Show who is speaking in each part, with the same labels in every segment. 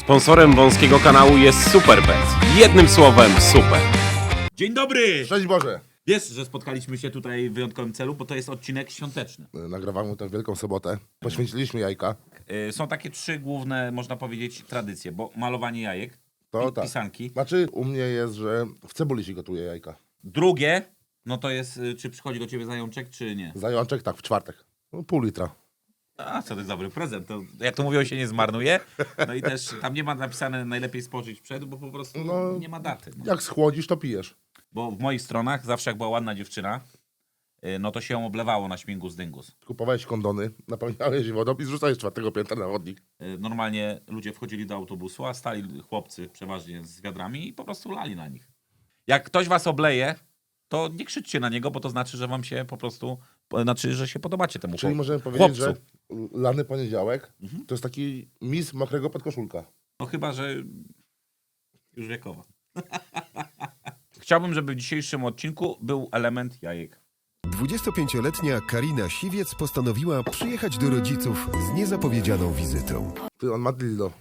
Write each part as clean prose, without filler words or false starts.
Speaker 1: Sponsorem wąskiego kanału jest Superbet. Jednym słowem super.
Speaker 2: Dzień dobry!
Speaker 3: Cześć Boże!
Speaker 2: Wiesz, że spotkaliśmy się tutaj w wyjątkowym celu, bo to jest odcinek świąteczny.
Speaker 3: Nagrywamy tę Wielką Sobotę. Poświęciliśmy jajka.
Speaker 2: Są takie trzy główne, można powiedzieć, tradycje, bo malowanie jajek,
Speaker 3: To tak.
Speaker 2: pisanki.
Speaker 3: Znaczy u mnie jest, że w cebuli się gotuje jajka.
Speaker 2: Drugie, no to jest, czy przychodzi do ciebie zajączek, czy nie.
Speaker 3: Zajączek tak, w czwartek. No, pół litra.
Speaker 2: A, co to jest dobry prezent. To, jak to mówią, się nie zmarnuje. No i też tam nie ma napisane najlepiej spożyć przed, bo po prostu nie ma daty. No.
Speaker 3: Jak schłodzisz, to pijesz.
Speaker 2: Bo w moich stronach zawsze jak była ładna dziewczyna, no to się ją oblewało na śmigus dyngus.
Speaker 3: Kupowałeś kondony, napełniałeś je wodą i zrzucałeś z czwartego piętra na chodnik.
Speaker 2: Normalnie ludzie wchodzili do autobusu, a stali chłopcy przeważnie z wiadrami i po prostu lali na nich. Jak ktoś was obleje, to nie krzyczcie na niego, bo to znaczy, że wam się po prostu, znaczy, że się podobacie temu
Speaker 3: Czyli możemy powiedzieć,
Speaker 2: chłopcu.
Speaker 3: że lany poniedziałek to jest taki mis mokrego podkoszulka.
Speaker 2: No chyba, że już wiekowa. Chciałbym, żeby w dzisiejszym odcinku był element jajek.
Speaker 4: 25-letnia Karina Siwiec postanowiła przyjechać do rodziców z niezapowiedzianą wizytą.
Speaker 3: Ty, on ma dildo.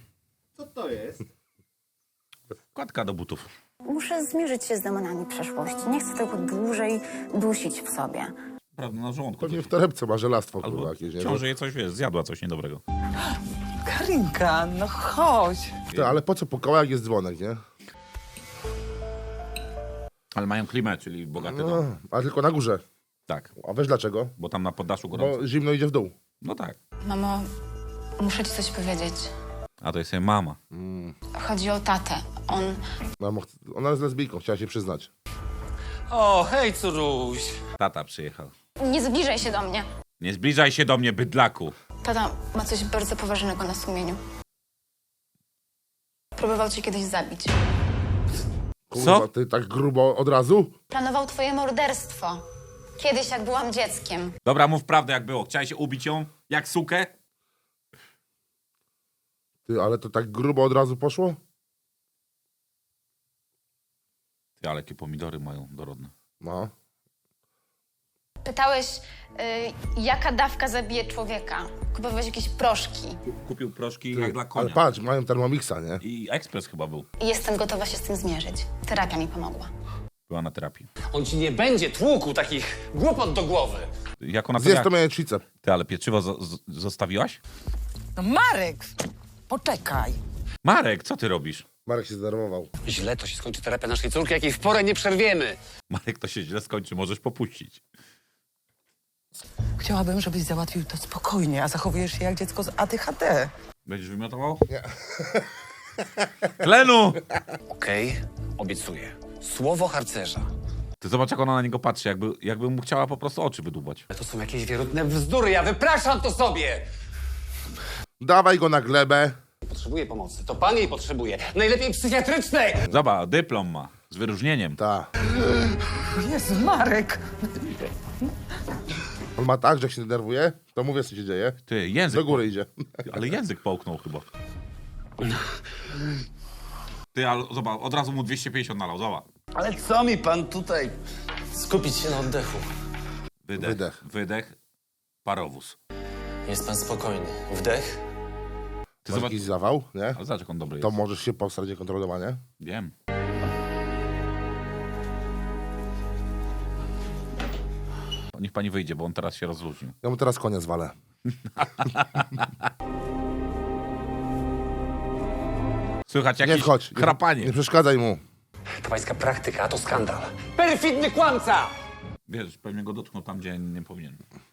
Speaker 2: Kładka do butów.
Speaker 5: Muszę zmierzyć się z demonami przeszłości. Nie chcę tego dłużej dusić w sobie.
Speaker 2: Prawda, na żołądku.
Speaker 3: Pewnie
Speaker 2: coś.
Speaker 3: w torebce ma żelastwo, kurwa,
Speaker 2: Albo
Speaker 3: jakieś, nie?
Speaker 2: ciąży je coś, wiesz, zjadła coś niedobrego.
Speaker 6: Karinka, no chodź.
Speaker 3: Ty, ale po co po kołach jest dzwonek, nie?
Speaker 2: Ale mają klimę, czyli bogaty dom.
Speaker 3: No, a tylko na górze.
Speaker 2: Tak,
Speaker 3: A wiesz dlaczego?
Speaker 2: bo tam na poddaszu gorąco.
Speaker 3: Bo zimno idzie w dół.
Speaker 2: No tak.
Speaker 5: Mamo, muszę ci coś powiedzieć.
Speaker 2: A to jest jej mama.
Speaker 5: Chodzi o tatę.
Speaker 3: Ona jest lesbijką, chciała się przyznać.
Speaker 7: O, hej, córuś.
Speaker 2: Tata przyjechał.
Speaker 5: Nie zbliżaj się do mnie.
Speaker 2: Nie zbliżaj się do mnie, bydlaku.
Speaker 5: Tata ma coś bardzo poważnego na sumieniu. Próbował cię kiedyś zabić.
Speaker 3: Kurwa,
Speaker 2: Co?
Speaker 3: ty tak grubo od razu?
Speaker 5: Planował twoje morderstwo. Kiedyś, jak byłam dzieckiem.
Speaker 2: Dobra, mów prawdę jak było. Chciałeś ubić ją? Jak sukę?
Speaker 3: Ty, ale to tak grubo od razu poszło?
Speaker 2: Ty, ale jakie pomidory mają dorodne.
Speaker 3: No.
Speaker 5: Pytałeś, jaka dawka zabije człowieka. Kupowałeś jakieś proszki.
Speaker 2: Kupił proszki
Speaker 3: Ty,
Speaker 2: jak dla konia.
Speaker 3: ale patrz, mają Thermomixa, nie?
Speaker 2: I ekspres chyba był.
Speaker 5: I jestem gotowa się z tym zmierzyć. Terapia mi pomogła.
Speaker 2: Była na terapii.
Speaker 7: On ci nie będzie tłukł takich głupot do głowy.
Speaker 2: Jak ona
Speaker 3: Zjedz to jajecznicę.
Speaker 2: Ty, ale pieczywo zostawiłaś?
Speaker 6: No Marek, poczekaj.
Speaker 2: Marek, co ty robisz?
Speaker 3: Marek się zdenerwował.
Speaker 7: Źle to się skończy terapia naszej córki, jakiej w porę nie przerwiemy.
Speaker 2: Marek, to się źle skończy, możesz popuścić.
Speaker 6: Chciałabym, żebyś załatwił to spokojnie, a zachowujesz się jak dziecko z ADHD.
Speaker 2: Będziesz wymiotował? Nie. Tlenu!
Speaker 7: Okej, obiecuję. Słowo harcerza.
Speaker 2: Ty zobacz, jak ona na niego patrzy, jakby mu chciała po prostu oczy wydłubać.
Speaker 7: To są jakieś wierutne bzdury, ja wypraszam to sobie.
Speaker 3: Dawaj go na glebę.
Speaker 7: Potrzebuję pomocy, to pan jej potrzebuje. Najlepiej psychiatrycznej.
Speaker 2: Zobacz, dyplom ma, z wyróżnieniem.
Speaker 3: Ta.
Speaker 6: Jezu, Marek.
Speaker 3: On ma tak, że jak się denerwuje, to mówię, co się dzieje.
Speaker 2: Ty, język.
Speaker 3: Do góry idzie.
Speaker 2: Ale język połknął chyba. Ty, ale zobacz, od razu mu 250 nalał, zobacz.
Speaker 8: Ale co mi pan tutaj? Skupić się na oddechu.
Speaker 2: Wydech. Wydech. Parowóz.
Speaker 8: Jest pan spokojny. Wdech.
Speaker 2: Ty
Speaker 3: Masz
Speaker 2: zobacz,
Speaker 3: jakiś zawał, nie?
Speaker 2: ale zobacz, jak on dobry
Speaker 3: To
Speaker 2: jest.
Speaker 3: możesz się posrać niekontrolowanie.
Speaker 2: Wiem. Niech pani wyjdzie, bo on teraz się rozluźnił.
Speaker 3: Ja mu teraz konia zwalę.
Speaker 2: Słychać
Speaker 3: Nie
Speaker 2: jakieś
Speaker 3: wchodź.
Speaker 2: chrapanie.
Speaker 3: Nie przeszkadzaj mu.
Speaker 7: To pańska praktyka, a to skandal. Perfidny kłamca!
Speaker 2: Wiesz, pewnie go dotknął tam, gdzie nie powinien.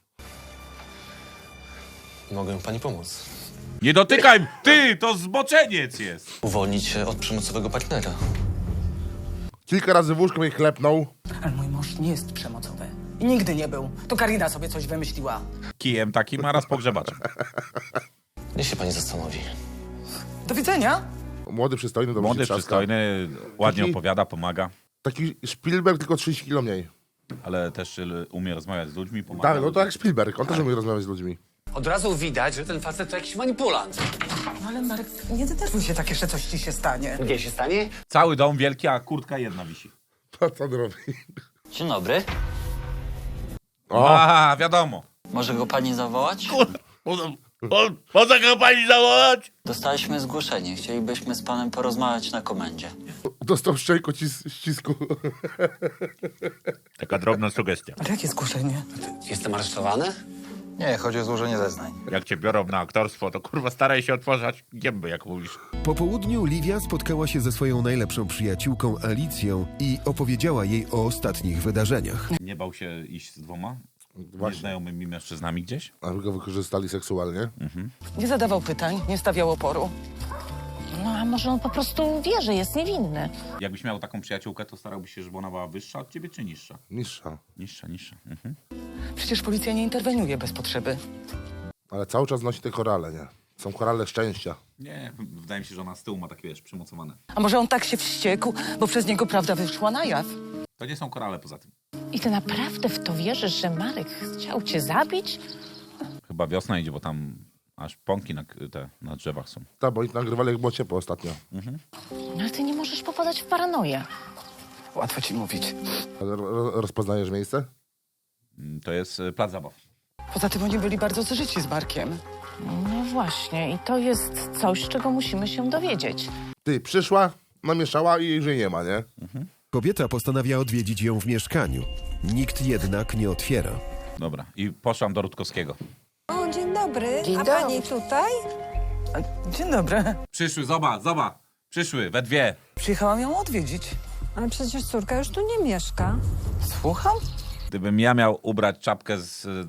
Speaker 8: Mogę pani pomóc.
Speaker 2: Nie dotykaj! Ty, to zboczeniec jest!
Speaker 8: Uwolnić się od przemocowego partnera.
Speaker 3: Kilka razy w łóżko mnie klepnął.
Speaker 6: Ale mój mąż nie jest przemocowy. I nigdy nie był. To Karina sobie coś wymyśliła.
Speaker 2: Kijem takim, a raz pogrzebaczem.
Speaker 8: Niech się pani zastanowi.
Speaker 6: Do widzenia.
Speaker 3: Młody, przystojny, dobrze
Speaker 2: Młody,
Speaker 3: się trzaska.
Speaker 2: przystojny, ładnie
Speaker 3: Taki-
Speaker 2: opowiada, pomaga.
Speaker 3: Taki Spielberg, tylko 30 kilo mniej.
Speaker 2: Ale też umie rozmawiać z ludźmi, pomaga.
Speaker 3: Tak, no to jak Spielberg. On też umie rozmawiać z ludźmi.
Speaker 7: Od razu widać, że ten facet to jakiś manipulant.
Speaker 6: No ale Marek, nie denerwuj się tak, jeszcze coś ci się stanie.
Speaker 7: Gdzie się stanie?
Speaker 2: Cały dom wielki, a kurtka jedna wisi.
Speaker 3: To co on robi?
Speaker 9: Dzień dobry.
Speaker 3: O,
Speaker 2: A, wiadomo.
Speaker 9: Może go pani zawołać?
Speaker 2: Może go pani zawołać?
Speaker 9: Dostaliśmy zgłoszenie. Chcielibyśmy z panem porozmawiać na komendzie.
Speaker 3: Dostał szczęko ścisku.
Speaker 2: Taka drobna sugestia.
Speaker 6: Ale jakie zgłoszenie?
Speaker 7: Jestem aresztowany?
Speaker 8: Nie, chodzi o złożenie zeznań.
Speaker 2: Jak cię biorą na aktorstwo, to kurwa staraj się otwarzać gęby, jak mówisz.
Speaker 4: Po południu Livia spotkała się ze swoją najlepszą przyjaciółką Alicją i opowiedziała jej o ostatnich wydarzeniach.
Speaker 2: Nie bał się iść z dwoma
Speaker 3: Właśnie.
Speaker 2: nieznajomymi mężczyznami gdzieś?
Speaker 3: Aby go wykorzystali seksualnie.
Speaker 6: Nie zadawał pytań, nie stawiał oporu.
Speaker 10: No a może on po prostu wie, że jest niewinny.
Speaker 2: Jakbyś miał taką przyjaciółkę, to starałbyś się, żeby ona była wyższa od ciebie, czy niższa?
Speaker 3: Niższa.
Speaker 2: Niższa.
Speaker 6: Przecież policja nie interweniuje bez potrzeby.
Speaker 3: Ale cały czas nosi te korale, nie? Są korale szczęścia.
Speaker 2: Nie, wydaje mi się, że ona z tyłu ma takie, wiesz, przymocowane.
Speaker 6: A może on tak się wściekł, bo przez niego prawda wyszła na jaw?
Speaker 2: To nie są korale poza tym.
Speaker 10: I ty naprawdę w to wierzysz, że Marek chciał cię zabić?
Speaker 2: Chyba wiosna idzie, bo tam aż pąki na drzewach są.
Speaker 3: Tak, bo oni nagrywali jak było ciepło ostatnio.
Speaker 10: No ale ty nie możesz popadać w paranoję.
Speaker 6: Łatwo ci mówić.
Speaker 3: Rozpoznajesz miejsce?
Speaker 2: To jest plac zabaw.
Speaker 6: Poza tym oni byli bardzo zżyci z Markiem.
Speaker 10: No właśnie, i to jest coś, czego musimy się dowiedzieć.
Speaker 3: Ty, przyszła, namieszała i jej już jej nie ma, nie?
Speaker 4: Kobieta postanawia odwiedzić ją w mieszkaniu. Nikt jednak nie otwiera.
Speaker 2: Dobra, i poszłam do Rutkowskiego.
Speaker 11: O, dzień dobry.
Speaker 6: Dzień
Speaker 11: A
Speaker 6: dobry.
Speaker 11: pani tutaj?
Speaker 6: Dzień dobry.
Speaker 2: Przyszły, zobacz. Przyszły, we dwie.
Speaker 6: Przyjechałam ją odwiedzić.
Speaker 11: Ale przecież córka już tu nie mieszka.
Speaker 6: Słucham?
Speaker 2: Gdybym ja miał ubrać czapkę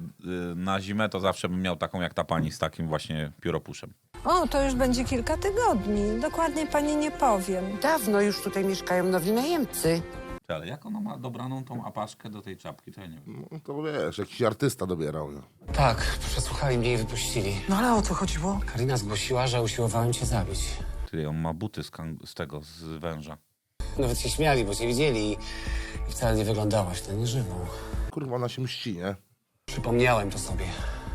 Speaker 2: na zimę, to zawsze bym miał taką jak ta pani z takim właśnie pióropuszem.
Speaker 11: O, to już będzie kilka tygodni. Dokładnie pani nie powiem.
Speaker 12: Dawno już tutaj mieszkają nowi najemcy.
Speaker 2: Ale jak ona ma dobraną tą apaszkę do tej czapki, to ja nie wiem.
Speaker 3: No to wiesz, jakiś artysta dobierał. No.
Speaker 7: Tak, przesłuchali mnie i wypuścili.
Speaker 6: No ale o co chodziło?
Speaker 7: Karina zgłosiła, że usiłowałem cię zabić.
Speaker 2: Ty, on ma buty z węża.
Speaker 7: Nawet się śmiali, bo cię widzieli i wcale nie wyglądałaś na nieżywą.
Speaker 3: Kurwa, ona się mści, nie?
Speaker 7: Przypomniałem to sobie.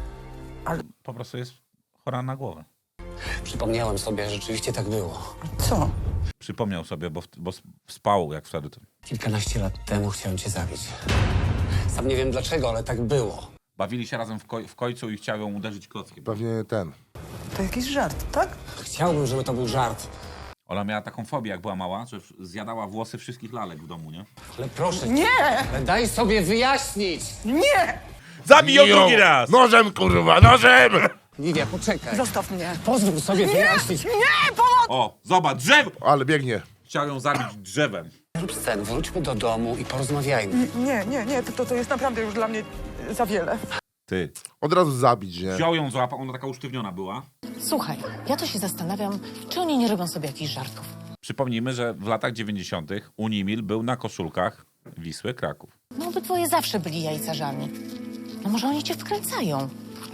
Speaker 2: Po prostu jest chora na głowę.
Speaker 7: Przypomniałem sobie, że rzeczywiście tak było.
Speaker 6: Co?
Speaker 2: Przypomniał sobie, bo spał jak wtedy.
Speaker 7: Kilkanaście lat temu chciałem cię zabić. Sam nie wiem dlaczego, ale tak było.
Speaker 2: Bawili się razem w końcu i chciał ją uderzyć klockiem.
Speaker 3: Pewnie ten.
Speaker 6: To jakiś żart, tak?
Speaker 7: Chciałbym, żeby to był żart.
Speaker 2: Ona miała taką fobię, jak była mała, że zjadała włosy wszystkich lalek w domu, nie?
Speaker 7: Ale proszę cię,
Speaker 6: Nie!
Speaker 7: ale daj sobie wyjaśnić!
Speaker 6: Nie!
Speaker 2: Zabij ją drugi raz!
Speaker 3: Nożem, kurwa, nożem!
Speaker 7: Lidia, poczekaj.
Speaker 6: Zostaw mnie.
Speaker 7: Pozwól sobie wyjaśnić.
Speaker 6: Nie! Pomoc!
Speaker 2: O, zobacz, drzewo!
Speaker 3: Ale biegnie.
Speaker 2: Chciał ją zabić drzewem.
Speaker 7: Rób scenę, wróćmy do domu i porozmawiajmy.
Speaker 6: Nie, to jest naprawdę już dla mnie za wiele.
Speaker 2: Ty.
Speaker 3: Od razu zabić, nie?
Speaker 2: Wziął ją, złapał, ona taka usztywniona była.
Speaker 10: Słuchaj, ja to się zastanawiam, czy oni nie robią sobie jakichś żartów.
Speaker 2: Przypomnijmy, że w latach 90. Unimil był na koszulkach Wisły Kraków.
Speaker 10: No obydwoje zawsze byli jajcarzami. No może oni cię wkręcają.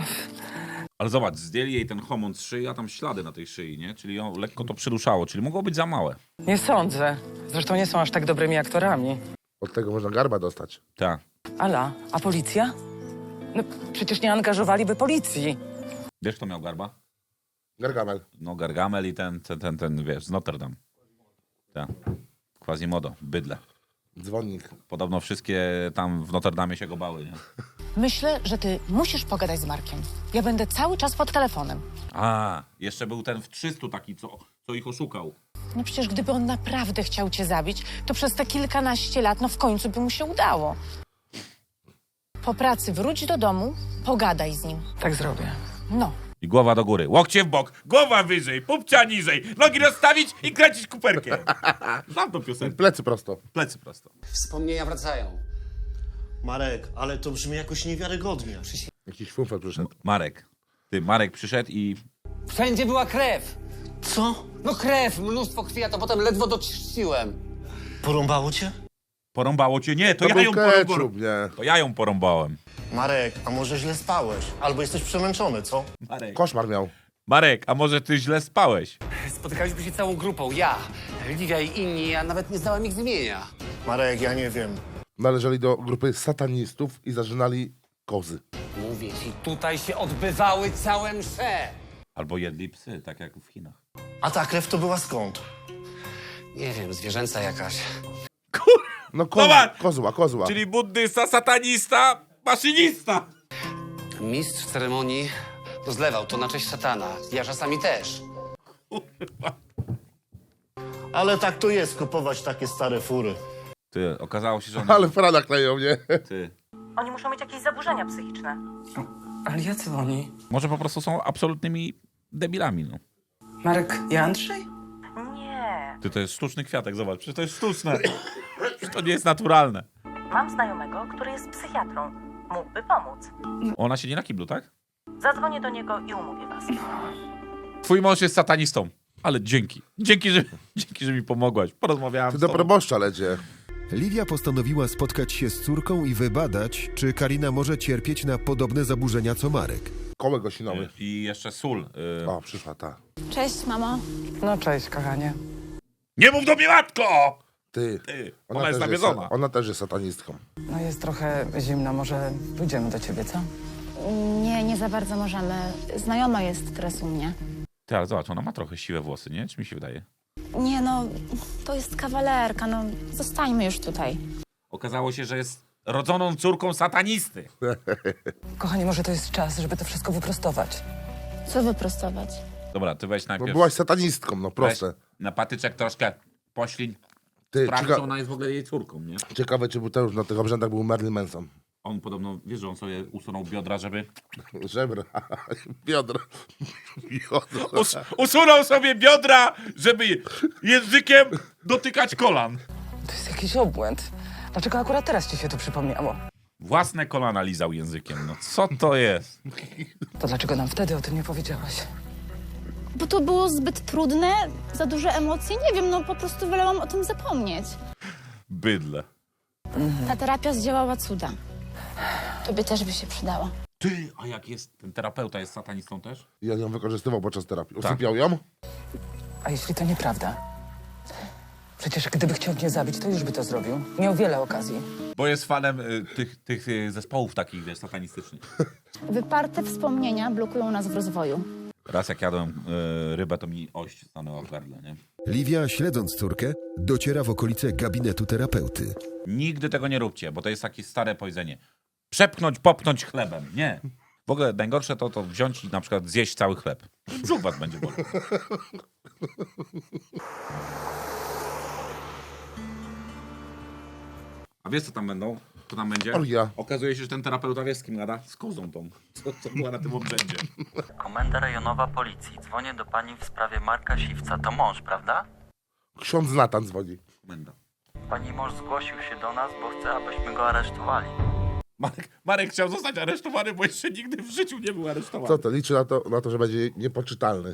Speaker 2: Ale zobacz, zdjęli jej ten homon z szyi, a tam ślady na tej szyi, nie? Czyli ją lekko to przyruszało, czyli mogło być za małe.
Speaker 6: Nie sądzę. Zresztą nie są aż tak dobrymi aktorami.
Speaker 3: Od tego można garba dostać.
Speaker 2: Tak.
Speaker 6: Ala, a policja? No przecież nie angażowaliby policji.
Speaker 2: Wiesz, kto miał garba?
Speaker 3: Gargamel.
Speaker 2: No Gargamel i ten wiesz, z Notre Dame. Tak. Quasimodo, bydle.
Speaker 3: Dzwonnik.
Speaker 2: Podobno wszystkie tam w Notre Dame się go bały, nie?
Speaker 10: Myślę, że ty musisz pogadać z Markiem. Ja będę cały czas pod telefonem.
Speaker 2: A, jeszcze był ten w 300 taki, co ich oszukał.
Speaker 10: No przecież gdyby on naprawdę chciał cię zabić, to przez te kilkanaście lat, no w końcu by mu się udało. Po pracy wróć do domu, pogadaj z nim.
Speaker 6: Tak zrobię.
Speaker 10: No.
Speaker 2: I głowa do góry, łokcie w bok, głowa wyżej, pupcia niżej, nogi rozstawić i kręcić kuperkiem. Znam tą piosenkę.
Speaker 3: Plecy prosto.
Speaker 2: Plecy prosto.
Speaker 7: Wspomnienia wracają.
Speaker 8: Marek, ale to brzmi jakoś niewiarygodnie.
Speaker 3: Jakiś funfel przyszedł.
Speaker 2: Marek przyszedł i...
Speaker 7: Wszędzie była krew.
Speaker 8: Co?
Speaker 7: No krew, mnóstwo krwi, a to potem ledwo doczyściłem.
Speaker 8: Porąbało cię?
Speaker 2: Porąbało cię? Nie, to ja
Speaker 3: był
Speaker 2: ją
Speaker 3: ketchup,
Speaker 2: porąbałem.
Speaker 3: nie?
Speaker 2: To ja ją porąbałem.
Speaker 8: Marek, a może źle spałeś? Albo jesteś przemęczony, co?
Speaker 3: Koszmar miał.
Speaker 2: Marek, a może ty źle spałeś?
Speaker 7: Spotykaliśmy się całą grupą, ja, Lidia i inni, a nawet nie znałem ich z imienia.
Speaker 8: Marek, ja nie wiem.
Speaker 3: Należeli do grupy satanistów i zażynali kozy.
Speaker 7: Mówię ci, tutaj się odbywały całe msze.
Speaker 2: Albo jedli psy, tak jak w Chinach.
Speaker 8: A ta krew to była skąd?
Speaker 7: Nie wiem, zwierzęca jakaś.
Speaker 3: No
Speaker 2: Zobacz!
Speaker 3: kozła.
Speaker 2: Czyli buddysta, satanista, maszynista.
Speaker 7: Mistrz ceremonii Zlewał to na cześć szatana. Ja czasami też.
Speaker 8: Ale tak to jest, kupować takie stare fury.
Speaker 2: Ty, okazało się, że on...
Speaker 3: Ale frana kleją, nie?
Speaker 2: Ty.
Speaker 10: Oni muszą mieć jakieś zaburzenia psychiczne.
Speaker 6: Ale jacy oni?
Speaker 2: Może po prostu są absolutnymi debilami, no.
Speaker 6: Marek i Andrzej?
Speaker 10: Nie.
Speaker 2: Ty, to jest sztuczny kwiatek, zobacz. Przecież to jest sztuczne. Przecież to nie jest naturalne.
Speaker 10: Mam znajomego, który jest psychiatrą. Mógłby pomóc.
Speaker 2: Ona siedzi na kiblu, tak?
Speaker 10: Zadzwonię do niego i umówię was.
Speaker 2: Twój mąż jest satanistą. Ale dzięki. Dzięki, że mi pomogłaś. Porozmawiałam
Speaker 3: Ty
Speaker 2: z
Speaker 3: do
Speaker 2: tobą.
Speaker 3: proboszcza lecie.
Speaker 4: Liwia postanowiła spotkać się z córką i wybadać, czy Karina może cierpieć na podobne zaburzenia co Marek.
Speaker 3: Kołek osinowy.
Speaker 2: I jeszcze sól.
Speaker 3: O, przyszła ta.
Speaker 5: Cześć, mamo.
Speaker 6: No cześć, kochanie.
Speaker 2: Nie mów do mnie, matko!
Speaker 3: Ty.
Speaker 2: Ona jest
Speaker 3: też
Speaker 2: nawiedzona.
Speaker 3: Ona też jest satanistką.
Speaker 6: No jest trochę zimno, może pójdziemy do ciebie, co?
Speaker 5: Nie, nie za bardzo możemy. Znajoma jest teraz u mnie.
Speaker 2: Ty, ale zobacz, ona ma trochę siwe włosy, nie? Czy mi się wydaje?
Speaker 5: Nie no, to jest kawalerka, no zostańmy już tutaj.
Speaker 2: Okazało się, że jest rodzoną córką satanisty.
Speaker 6: Kochanie, może to jest czas, żeby to wszystko wyprostować.
Speaker 5: Co wyprostować?
Speaker 2: Dobra, ty weź
Speaker 3: No
Speaker 2: najpierw...
Speaker 3: byłaś satanistką, no proste.
Speaker 2: Weź na patyczek troszkę poślin.
Speaker 3: Ty,
Speaker 2: Sprawdź, czy ona jest w ogóle jej córką, nie?
Speaker 3: ciekawe, czy to już na tych obrzędach był Marilyn Manson.
Speaker 2: On podobno, wiesz, że on sobie usunął biodra, żeby...
Speaker 3: Żebra, biodro. Biodro.
Speaker 2: Usunął sobie biodra, żeby językiem dotykać kolan.
Speaker 6: To jest jakiś obłęd. Dlaczego akurat teraz ci się to przypomniało?
Speaker 2: Własne kolana lizał językiem, no co to jest?
Speaker 6: To dlaczego nam wtedy o tym nie powiedziałaś?
Speaker 5: Bo to było zbyt trudne, za duże emocje, nie wiem, no po prostu wolałam o tym zapomnieć.
Speaker 2: Bydle.
Speaker 5: Ta terapia zdziałała cuda. Tobie też by się przydała.
Speaker 2: Ty, a jak jest, ten terapeuta jest satanistą też?
Speaker 3: Ja ją wykorzystywał podczas terapii.
Speaker 2: Tak.
Speaker 3: Usypiał ją?
Speaker 6: A jeśli to nieprawda? Przecież gdyby chciał mnie zabić, to już by to zrobił. Miał wiele okazji.
Speaker 2: Bo jest fanem tych zespołów takich, wiesz, satanistycznych.
Speaker 5: Wyparte wspomnienia blokują nas w rozwoju.
Speaker 2: Raz jak jadłem rybę, to mi ość stanęła w gardle, nie?
Speaker 4: Liwia, śledząc córkę, dociera w okolice gabinetu terapeuty.
Speaker 2: Nigdy tego nie róbcie, bo to jest takie stare powiedzenie. Przepchnąć, popchnąć chlebem. Nie. W ogóle najgorsze to wziąć i na przykład zjeść cały chleb. Brzuch was będzie bolał. A wiesz co tam będą? Co tam będzie?
Speaker 3: Orgia.
Speaker 2: Okazuje się, że ten terapeuta wie z kim gada? Z kozą tą, co była na tym obrzędzie.
Speaker 9: Komenda rejonowa policji. Dzwonię do pani w sprawie Marka Siwca. To mąż, prawda?
Speaker 3: Ksiądz Natan dzwoni.
Speaker 2: Komenda.
Speaker 9: Pani mąż zgłosił się do nas, bo chce, abyśmy go aresztowali.
Speaker 2: Marek chciał zostać aresztowany, bo jeszcze nigdy w życiu nie był aresztowany.
Speaker 3: Co to? Liczy na to, że będzie niepoczytalny.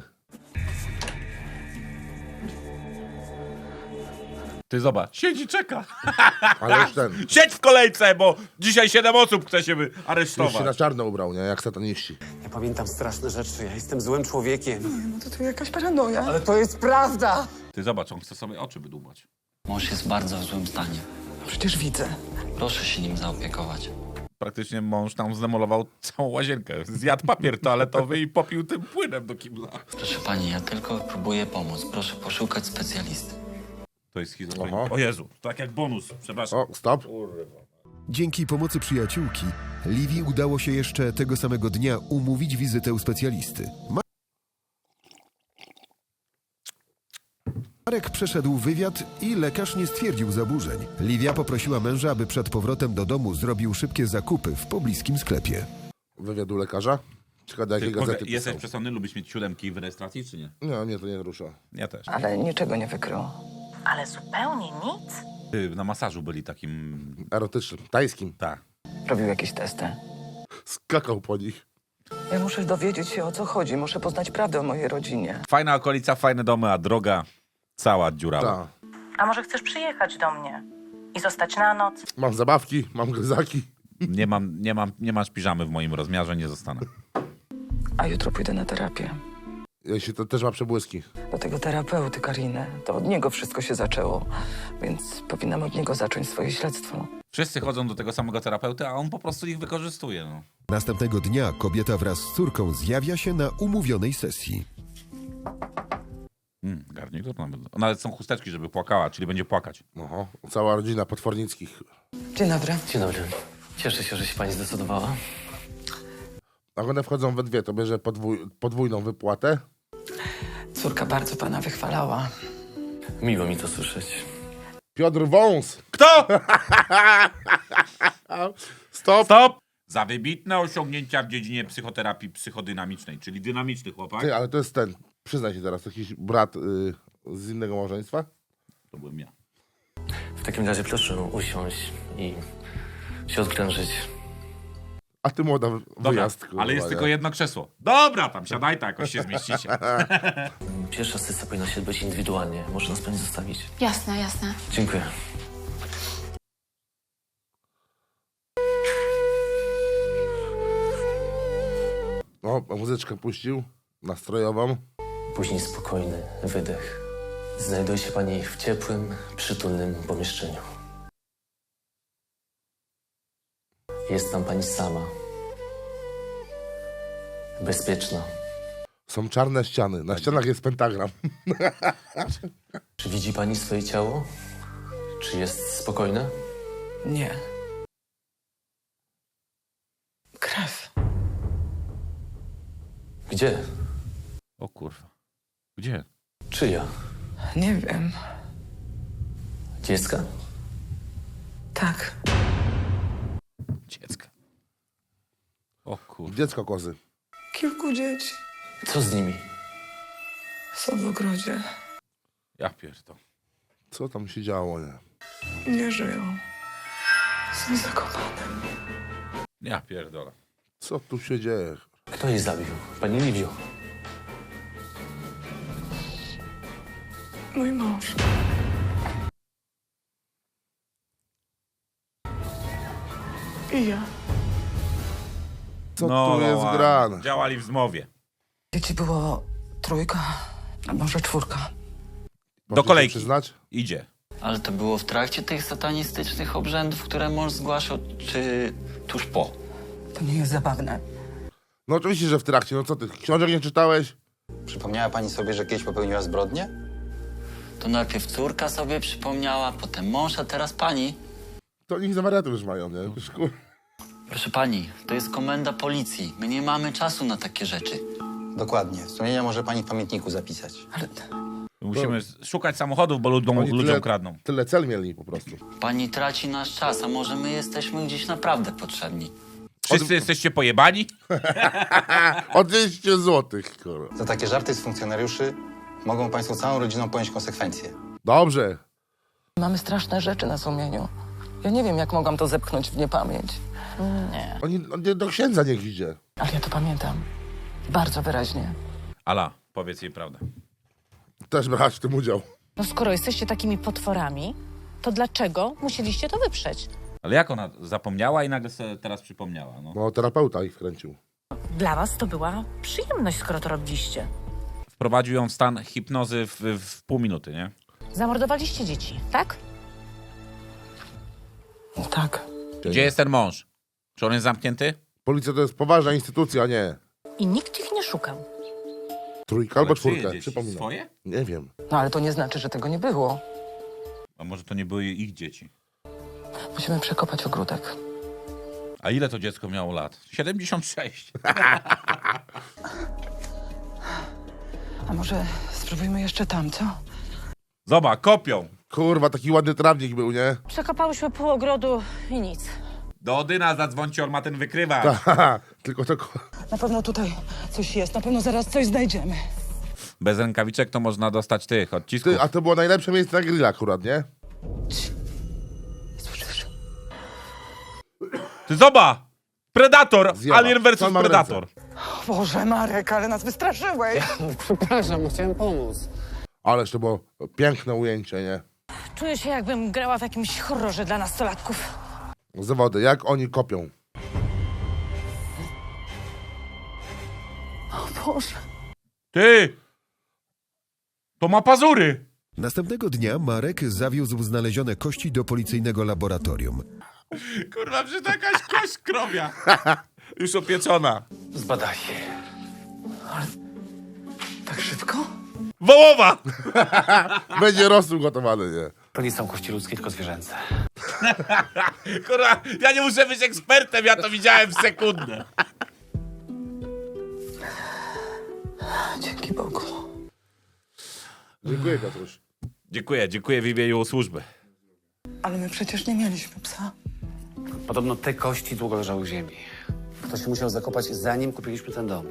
Speaker 2: Ty zobacz, siedzi, czeka.
Speaker 3: Ale już ten.
Speaker 2: Siedź w kolejce, bo dzisiaj 7 osób chce się
Speaker 3: Już
Speaker 2: aresztować.
Speaker 3: się na czarno ubrał, nie? Jak sataniści.
Speaker 7: Ja pamiętam straszne rzeczy. Ja jestem złym człowiekiem.
Speaker 6: No to jakaś paranoja.
Speaker 7: Ale to jest prawda!
Speaker 2: Ty zobacz, on chce sobie oczy wydłubać.
Speaker 9: Mąż jest bardzo w złym stanie.
Speaker 6: Przecież widzę.
Speaker 9: Proszę się nim zaopiekować.
Speaker 2: Praktycznie mąż tam zdemolował całą łazienkę. Zjadł papier toaletowy i popił tym płynem do kibla.
Speaker 9: Proszę pani, ja tylko próbuję pomóc. Proszę poszukać specjalisty.
Speaker 2: To jest schizofrenia.
Speaker 3: Aha.
Speaker 2: O Jezu, tak jak bonus, przepraszam.
Speaker 3: O, stop.
Speaker 4: Dzięki pomocy przyjaciółki, Liwii udało się jeszcze tego samego dnia umówić wizytę u specjalisty. Marek przeszedł wywiad i lekarz nie stwierdził zaburzeń. Liwia poprosiła męża, aby przed powrotem do domu zrobił szybkie zakupy w pobliskim sklepie.
Speaker 3: Wywiadu lekarza? Ciekawe, do jakiej gazety
Speaker 2: Jesteś
Speaker 3: pisał.
Speaker 2: przesądny, lubisz mieć 7 w rejestracji, czy nie?
Speaker 3: Nie, mnie to nie rusza.
Speaker 2: Ja też.
Speaker 6: Ale niczego nie wykrył.
Speaker 10: Ale zupełnie nic.
Speaker 2: Ty, na masażu byli takim...
Speaker 3: Erotycznym, tajskim.
Speaker 2: Tak.
Speaker 6: Robił jakieś testy.
Speaker 3: Skakał po nich.
Speaker 6: Ja muszę dowiedzieć się, o co chodzi. Muszę poznać prawdę o mojej rodzinie.
Speaker 2: Fajna okolica, fajne domy, a droga cała dziurawa.
Speaker 3: Tak.
Speaker 10: A może chcesz przyjechać do mnie i zostać na noc?
Speaker 3: Mam zabawki, mam gryzaki.
Speaker 2: Nie masz piżamy w moim rozmiarze, nie zostanę.
Speaker 6: A jutro pójdę na terapię.
Speaker 3: Jeśli to też ma przebłyski.
Speaker 6: Do tego terapeuty Kariny. To od niego wszystko się zaczęło. Więc powinnam od niego zacząć swoje śledztwo.
Speaker 2: Wszyscy chodzą do tego samego terapeuty, a on po prostu ich wykorzystuje. No.
Speaker 4: Następnego dnia kobieta wraz z córką zjawia się na umówionej sesji.
Speaker 2: Garnitur tam. Nawet są chusteczki, żeby płakała, czyli będzie płakać.
Speaker 3: Oho, cała rodzina Potwornickich.
Speaker 6: Dzień dobry.
Speaker 9: Dzień dobry. Cieszę się, że się pani zdecydowała.
Speaker 3: Jak one wchodzą we dwie, to bierze podwójną wypłatę.
Speaker 6: Córka bardzo pana wychwalała.
Speaker 7: Miło mi to słyszeć.
Speaker 3: Piotr Wąs.
Speaker 2: Kto?
Speaker 3: Stop.
Speaker 2: Stop! Za wybitne osiągnięcia w dziedzinie psychoterapii psychodynamicznej, czyli dynamiczny chłopak.
Speaker 3: Ty, ale to jest ten, przyznaj się teraz, jakiś brat z innego małżeństwa?
Speaker 2: To byłem ja.
Speaker 7: W takim razie proszę usiąść i się odprężyć.
Speaker 3: A ty młoda
Speaker 2: Dobra,
Speaker 3: wyjazd. kurwa,
Speaker 2: ale jest
Speaker 3: nie?
Speaker 2: tylko jedno krzesło. Dobra, tam siadaj, tak jakoś się zmieścicie.
Speaker 7: Pierwsza sesja powinna się odbyć indywidualnie. Może nas pani zostawić?
Speaker 5: Jasne, jasne.
Speaker 7: Dziękuję.
Speaker 3: O, muzyczkę puścił, nastrojową.
Speaker 7: Później spokojny wydech. Znajduje się pani w ciepłym, przytulnym pomieszczeniu. Jest tam pani sama. Bezpieczna.
Speaker 3: Są czarne ściany, na ścianach jest pentagram.
Speaker 7: Czy widzi pani swoje ciało? Czy jest spokojne?
Speaker 6: Nie. Krew.
Speaker 7: Gdzie?
Speaker 2: O kurwa. Gdzie?
Speaker 7: Czyja?
Speaker 6: Nie wiem.
Speaker 7: Dziecka?
Speaker 6: Tak.
Speaker 2: Dziecka. O kurwa.
Speaker 3: Dziecko kozy.
Speaker 11: Kilku dzieci
Speaker 7: Co z nimi?
Speaker 11: są w ogrodzie.
Speaker 2: Ja pierdolę.
Speaker 3: Co tam się działo, nie?
Speaker 11: Nie żyją. Są zakopane.
Speaker 2: Ja pierdolę.
Speaker 3: Co tu się dzieje?
Speaker 7: Kto jej zabił? Pani Liwio.
Speaker 11: Mój mąż. I ja.
Speaker 3: Co tu jest
Speaker 2: ładnie.
Speaker 3: grane?
Speaker 2: Działali w zmowie.
Speaker 6: Dzieci było 3, a może 4.
Speaker 3: Możecie
Speaker 2: Do kolejki.
Speaker 3: się przyznać?
Speaker 2: Idzie.
Speaker 9: Ale to było w trakcie tych satanistycznych obrzędów, które mąż zgłaszał, czy tuż po?
Speaker 6: To nie jest zabawne.
Speaker 3: No oczywiście, że w trakcie. No co ty, książek nie czytałeś?
Speaker 8: Przypomniała pani sobie, że kiedyś popełniła zbrodnię?
Speaker 9: To najpierw córka sobie przypomniała, potem mąż, a teraz pani.
Speaker 3: To niech za wariatów już mają, nie? Już,
Speaker 9: Proszę pani, to jest komenda policji. My nie mamy czasu na takie rzeczy.
Speaker 8: Dokładnie. Wspomnienia może pani w pamiętniku zapisać.
Speaker 6: Ale
Speaker 2: Musimy szukać samochodów, bo ludziom kradną.
Speaker 3: Tyle cel mieli po prostu.
Speaker 9: Pani traci nasz czas, a może my jesteśmy gdzieś naprawdę potrzebni.
Speaker 2: Wszyscy jesteście pojebani?
Speaker 3: O 200 złotych, kurwa.
Speaker 8: Za takie żarty z funkcjonariuszy mogą państwo całą rodziną ponieść konsekwencje.
Speaker 3: Dobrze.
Speaker 6: mamy straszne rzeczy na sumieniu. Ja nie wiem, jak mogłam to zepchnąć w niepamięć.
Speaker 10: Nie.
Speaker 3: On do księdza niech idzie.
Speaker 6: Ale ja to pamiętam. Bardzo wyraźnie.
Speaker 2: Ala, powiedz jej prawdę.
Speaker 3: Też brać w tym udział.
Speaker 10: No skoro jesteście takimi potworami, to dlaczego musieliście to wyprzeć?
Speaker 2: Ale jak ona zapomniała i nagle sobie teraz przypomniała? No.
Speaker 3: No, terapeuta ich wkręcił.
Speaker 10: Dla was to była przyjemność, skoro to robiliście.
Speaker 2: Wprowadził ją w stan hipnozy w pół minuty, nie?
Speaker 10: Zamordowaliście dzieci, tak?
Speaker 6: Tak.
Speaker 2: Gdzie jest ten mąż? Czy on jest zamknięty?
Speaker 3: Policja to jest poważna instytucja, nie.
Speaker 10: I nikt ich nie szukał.
Speaker 3: Trójka albo
Speaker 2: Ale czyje
Speaker 3: czwórka,
Speaker 2: dzieci?
Speaker 3: przypominam.
Speaker 2: Swoje?
Speaker 3: Nie wiem.
Speaker 6: No ale to nie znaczy, że tego nie było.
Speaker 2: A może to nie były ich dzieci?
Speaker 6: Musimy przekopać ogródek.
Speaker 2: A ile to dziecko miało lat? 76.
Speaker 6: A może spróbujmy jeszcze tam, co?
Speaker 2: Zobacz, kopią.
Speaker 3: Kurwa, taki ładny trawnik był, nie?
Speaker 10: Przekapałyśmy pół ogrodu i nic.
Speaker 2: Do Odyna zadzwońcie, on ma ten wykrywacz.
Speaker 3: Haha, tylko to...
Speaker 6: Na pewno tutaj coś jest. Na pewno zaraz coś znajdziemy.
Speaker 2: Bez rękawiczek to można dostać tych odcisków.
Speaker 3: Ty, a to było najlepsze miejsce na grilla akurat, nie?
Speaker 6: Słyszysz?
Speaker 2: Ty zobacz! Predator!
Speaker 3: Zjeba.
Speaker 2: Alien
Speaker 3: Co
Speaker 2: versus
Speaker 3: mam w
Speaker 2: Predator.
Speaker 6: O Boże, Marek, ale nas wystraszyłeś.
Speaker 7: Przepraszam, chciałem pomóc.
Speaker 3: Ależ to było piękne ujęcie, nie?
Speaker 10: Czuję się, jakbym grała w jakimś horrorze dla nastolatków.
Speaker 3: Zawody, jak oni kopią.
Speaker 10: O Boże.
Speaker 2: Ty! To ma pazury!
Speaker 4: Następnego dnia Marek zawiózł znalezione kości do policyjnego laboratorium.
Speaker 2: Kurwa, przecież to jakaś kość krowia. Już opieczona.
Speaker 7: Zbadaj.
Speaker 6: Tak szybko?
Speaker 2: Wołowa!
Speaker 3: Będzie rosół gotowany, nie?
Speaker 7: To nie są kości ludzkie, tylko zwierzęce.
Speaker 2: Kurwa, ja nie muszę być ekspertem, ja to widziałem w sekundę.
Speaker 6: Dzięki Bogu.
Speaker 3: Dziękuję, Piotruś.
Speaker 2: Dziękuję w imieniu służby.
Speaker 6: Ale my przecież nie mieliśmy psa.
Speaker 8: Podobno te kości długo leżały w ziemi. Ktoś się musiał zakopać, zanim kupiliśmy ten dom.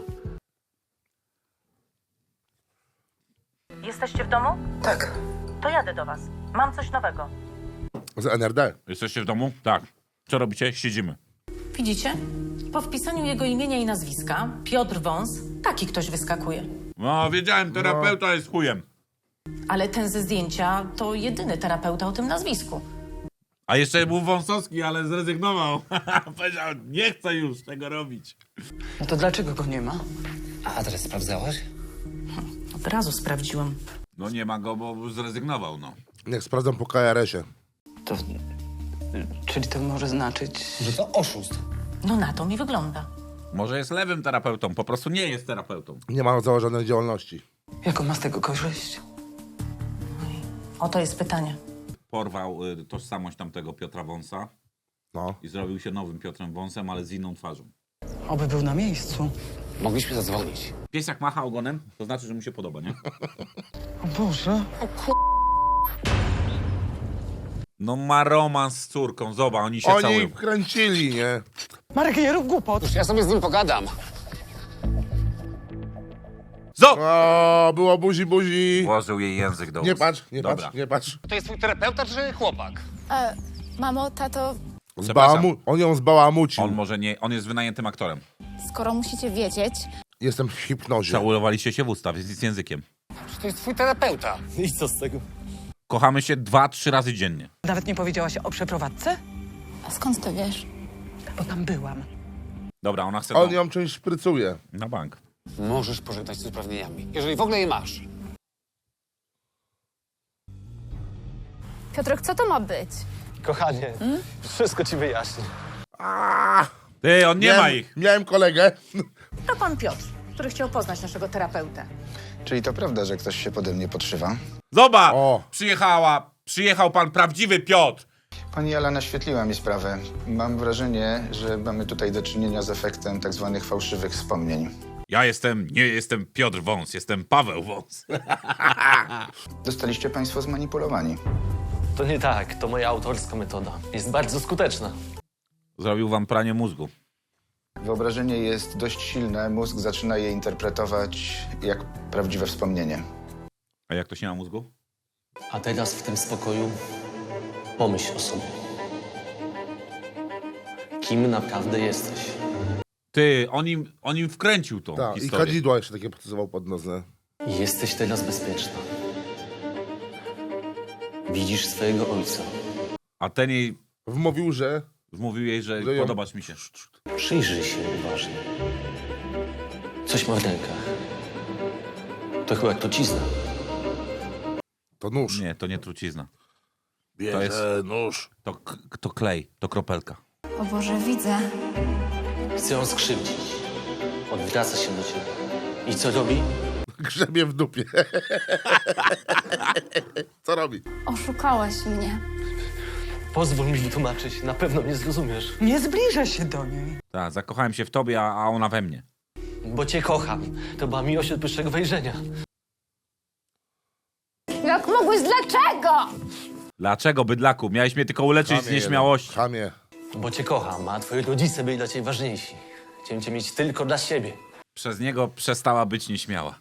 Speaker 10: Jesteście w domu?
Speaker 6: Tak.
Speaker 10: To jadę do was. Mam coś nowego.
Speaker 3: Z NRD.
Speaker 2: Jesteście w domu? Tak. Co robicie? Siedzimy.
Speaker 10: Widzicie? Po wpisaniu jego imienia i nazwiska, Piotr Wąs, taki ktoś wyskakuje.
Speaker 2: No, wiedziałem, terapeuta jest chujem.
Speaker 10: Ale ten ze zdjęcia to jedyny terapeuta o tym nazwisku.
Speaker 2: A jeszcze był Wąsowski, ale zrezygnował. Powiedział, nie chcę już tego robić.
Speaker 6: No to dlaczego go nie ma?
Speaker 8: A adres sprawdzałaś?
Speaker 10: Od razu sprawdziłam.
Speaker 2: No nie ma go, bo zrezygnował, no.
Speaker 3: Niech sprawdzam po KRS-ie.
Speaker 6: To... Czyli to może znaczyć...
Speaker 8: Że to oszust.
Speaker 10: No na to mi wygląda.
Speaker 2: Może jest lewym terapeutą, po prostu nie jest terapeutą.
Speaker 3: Nie ma założonej działalności.
Speaker 6: Jaką ma z tego korzyść?
Speaker 10: Oto jest pytanie.
Speaker 2: Porwał tożsamość tamtego Piotra Wąsa
Speaker 3: No.
Speaker 2: i zrobił się nowym Piotrem Wąsem, ale z inną twarzą.
Speaker 6: Oby był na miejscu.
Speaker 8: Mogliśmy zadzwonić.
Speaker 2: Pies jak macha ogonem, to znaczy, że mu się podoba, nie?
Speaker 6: O Boże.
Speaker 2: No ma romans z córką, zobacz, oni się
Speaker 3: Oni
Speaker 2: całują.
Speaker 3: kręcili, nie?
Speaker 6: Marek, nie rób głupot.
Speaker 8: Już ja sobie z nim pogadam.
Speaker 3: O, było buzi.
Speaker 2: Włożył jej język do ust.
Speaker 3: Nie patrz, nie
Speaker 2: Dobra.
Speaker 3: patrz, nie patrz.
Speaker 8: To jest twój terapeuta czy chłopak?
Speaker 5: Mamo, tato,
Speaker 3: On ją zbałamucił.
Speaker 2: On może nie, on jest wynajętym aktorem.
Speaker 5: skoro musicie wiedzieć,
Speaker 3: Jestem w hipnozie.
Speaker 2: Całowaliście się w usta, więc z językiem.
Speaker 8: To jest twój terapeuta.
Speaker 7: I co z tego?
Speaker 2: Kochamy się 2-3 razy dziennie.
Speaker 6: Nawet nie powiedziałaś o przeprowadzce?
Speaker 5: a skąd to wiesz?
Speaker 6: Bo tam byłam.
Speaker 2: Dobra, ona chce
Speaker 3: On
Speaker 2: to
Speaker 3: ją czymś szprycuje.
Speaker 2: na bank.
Speaker 8: Możesz pożegnać z uprawnieniami, jeżeli w ogóle je masz.
Speaker 5: Piotrek, co to ma być?
Speaker 7: Kochanie, wszystko ci wyjaśnię.
Speaker 2: Ty, on nie ma ich.
Speaker 3: Miałem kolegę.
Speaker 10: To pan Piotr, który chciał poznać naszego terapeutę.
Speaker 13: Czyli to prawda, że ktoś się pode mnie podszywa?
Speaker 2: Zobacz,
Speaker 3: O.
Speaker 2: przyjechał pan prawdziwy Piotr.
Speaker 13: Pani Ala naświetliła mi sprawę. Mam wrażenie, że mamy tutaj do czynienia z efektem tak zwanych fałszywych wspomnień.
Speaker 2: Ja nie jestem Piotr Wąs, jestem Paweł Wąs.
Speaker 13: Zostaliście państwo zmanipulowani.
Speaker 7: To nie tak, to moja autorska metoda. Jest bardzo skuteczna.
Speaker 2: Zrobił wam pranie mózgu.
Speaker 13: Wyobrażenie jest dość silne, mózg zaczyna je interpretować jak prawdziwe wspomnienie.
Speaker 2: A jak to się na mózgu?
Speaker 7: A teraz w tym spokoju pomyśl o sobie. Kim naprawdę jesteś?
Speaker 2: Ty, on im wkręcił tą
Speaker 3: Tak, i
Speaker 2: historię.
Speaker 3: kadzidła jeszcze takie podsuwał pod nos. Nie?
Speaker 7: Jesteś teraz bezpieczna. Widzisz swojego ojca.
Speaker 2: A ten jej
Speaker 3: Wmówił, że...
Speaker 2: wmówił jej, że
Speaker 3: Że ją-
Speaker 2: podobasz mi się.
Speaker 7: Przyjrzyj się uważnie. Coś ma w rękach. To chyba trucizna.
Speaker 3: To nóż.
Speaker 2: Nie, to nie trucizna.
Speaker 3: Bierze
Speaker 2: jest-
Speaker 3: nóż.
Speaker 2: To klej, to kropelka.
Speaker 5: O Boże, widzę.
Speaker 7: Chce ją skrzywdzić. Odwraca się do ciebie. I co robi?
Speaker 3: Grzebie w dupie. Co robi?
Speaker 5: Oszukałaś mnie.
Speaker 7: Pozwól mi wytłumaczyć. Na pewno mnie zrozumiesz.
Speaker 6: Nie zbliża się do niej.
Speaker 2: Tak, zakochałem się w tobie, a ona we mnie.
Speaker 7: Bo cię kocham. To była miłość od pierwszego wejrzenia.
Speaker 5: Jak mogłeś, dlaczego?
Speaker 2: Dlaczego, bydlaku? Miałeś mnie tylko uleczyć z
Speaker 3: Chamie
Speaker 2: nieśmiałości.
Speaker 3: jeden. Chamie.
Speaker 7: Bo cię kocham, a twoi rodzice byli dla ciebie ważniejsi. Chciałem cię mieć tylko dla siebie.
Speaker 2: Przez niego przestała być nieśmiała.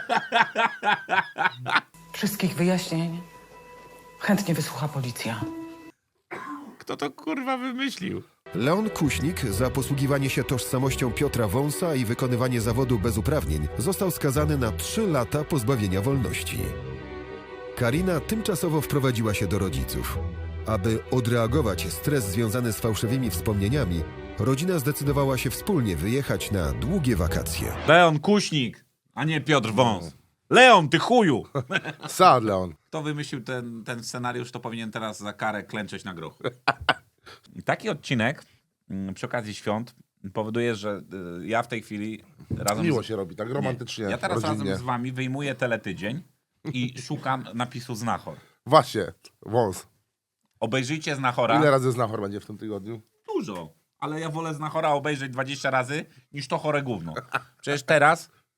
Speaker 6: Wszystkich wyjaśnień chętnie wysłucha policja.
Speaker 2: Kto to kurwa wymyślił?
Speaker 4: Leon Kuśnik za posługiwanie się tożsamością Piotra Wąsa i wykonywanie zawodu bez uprawnień został skazany na 3 lata pozbawienia wolności. Karina tymczasowo wprowadziła się do rodziców. Aby odreagować stres związany z fałszywymi wspomnieniami, rodzina zdecydowała się wspólnie wyjechać na długie wakacje.
Speaker 2: Leon Kuśnik, a nie Piotr Wąs. Leon, ty chuju!
Speaker 3: Sad Leon.
Speaker 2: Kto wymyślił ten scenariusz, to powinien teraz za karę klęczeć na grochu. Taki odcinek przy okazji świąt powoduje, że ja w tej chwili razem
Speaker 3: Miło się robi, tak romantycznie.
Speaker 2: Ja teraz
Speaker 3: rodzinnie.
Speaker 2: razem z wami wyjmuję teletydzień i szukam napisu Znachor.
Speaker 3: Właśnie, wąs.
Speaker 2: Obejrzyjcie Znachora.
Speaker 3: Ile razy Znachor będzie w tym tygodniu?
Speaker 2: Dużo. Ale ja wolę Znachora obejrzeć 20 razy, niż to chore gówno. Przecież teraz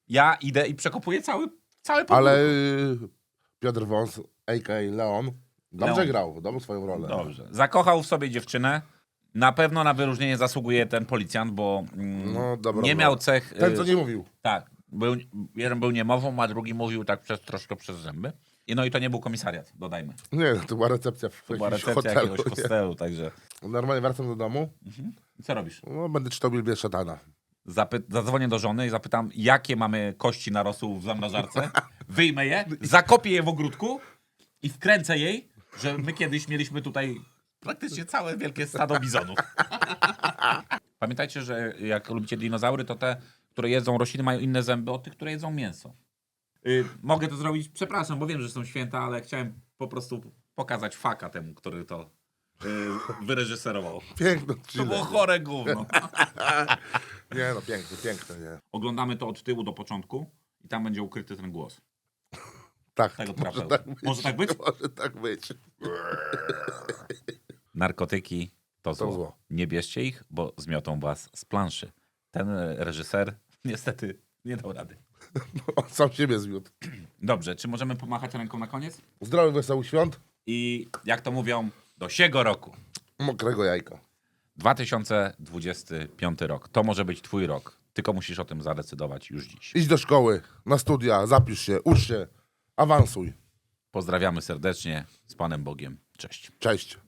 Speaker 2: Ja idę i przekopuję cały podwórko.
Speaker 3: Ale Piotr Wąs, a.k.a. Leon, dobrze
Speaker 2: Leon.
Speaker 3: grał, dobrą swoją rolę.
Speaker 2: Dobrze. Zakochał w sobie dziewczynę. Na pewno na wyróżnienie zasługuje ten policjant, bo
Speaker 3: No, dobra,
Speaker 2: nie miał cech...
Speaker 3: Ten, co nie mówił.
Speaker 2: Tak. Jeden był niemową, a drugi mówił tak troszkę przez zęby. No i to nie był komisariat, dodajmy.
Speaker 3: Nie, to była recepcja w
Speaker 2: To była
Speaker 3: jakimś
Speaker 2: recepcja
Speaker 3: hotelu,
Speaker 2: jakiegoś
Speaker 3: nie?
Speaker 2: hostelu, także...
Speaker 3: Normalnie wracam do domu,
Speaker 2: I co robisz?
Speaker 3: no, będę czytał Biblię szatana.
Speaker 2: Zadzwonię do żony i zapytam, jakie mamy kości na rosół w zamrażarce. Wyjmę je, zakopię je w ogródku i wkręcę jej, że my kiedyś mieliśmy tutaj praktycznie całe wielkie stado bizonów. Pamiętajcie, że jak lubicie dinozaury, to te, które jedzą rośliny, mają inne zęby od tych, które jedzą mięso. Mogę to zrobić, przepraszam, bo wiem, że są święta, ale chciałem po prostu pokazać faka temu, który to wyreżyserował.
Speaker 3: Piękno.
Speaker 2: To było chore gówno.
Speaker 3: Nie no, piękne, nie.
Speaker 2: Oglądamy to od tyłu do początku i tam będzie ukryty ten głos.
Speaker 3: Tak,
Speaker 2: Tego
Speaker 3: może
Speaker 2: trapeu.
Speaker 3: tak być.
Speaker 2: Może tak być?
Speaker 3: Może tak być.
Speaker 2: Narkotyki to zło.
Speaker 3: zło.
Speaker 2: Nie bierzcie ich, bo zmiotą was z planszy. Ten reżyser niestety nie dał rady.
Speaker 3: On sam siebie zwiódł.
Speaker 2: Dobrze, czy możemy pomachać ręką na koniec?
Speaker 3: Zdrowych, wesołych świąt.
Speaker 2: I jak to mówią, do siego roku.
Speaker 3: Mokrego jajka.
Speaker 2: 2025 rok. To może być twój rok. Tylko musisz o tym zadecydować już dziś.
Speaker 3: Idź do szkoły, na studia, zapisz się, ucz się, awansuj.
Speaker 2: Pozdrawiamy serdecznie. Z Panem Bogiem. Cześć.
Speaker 3: Cześć.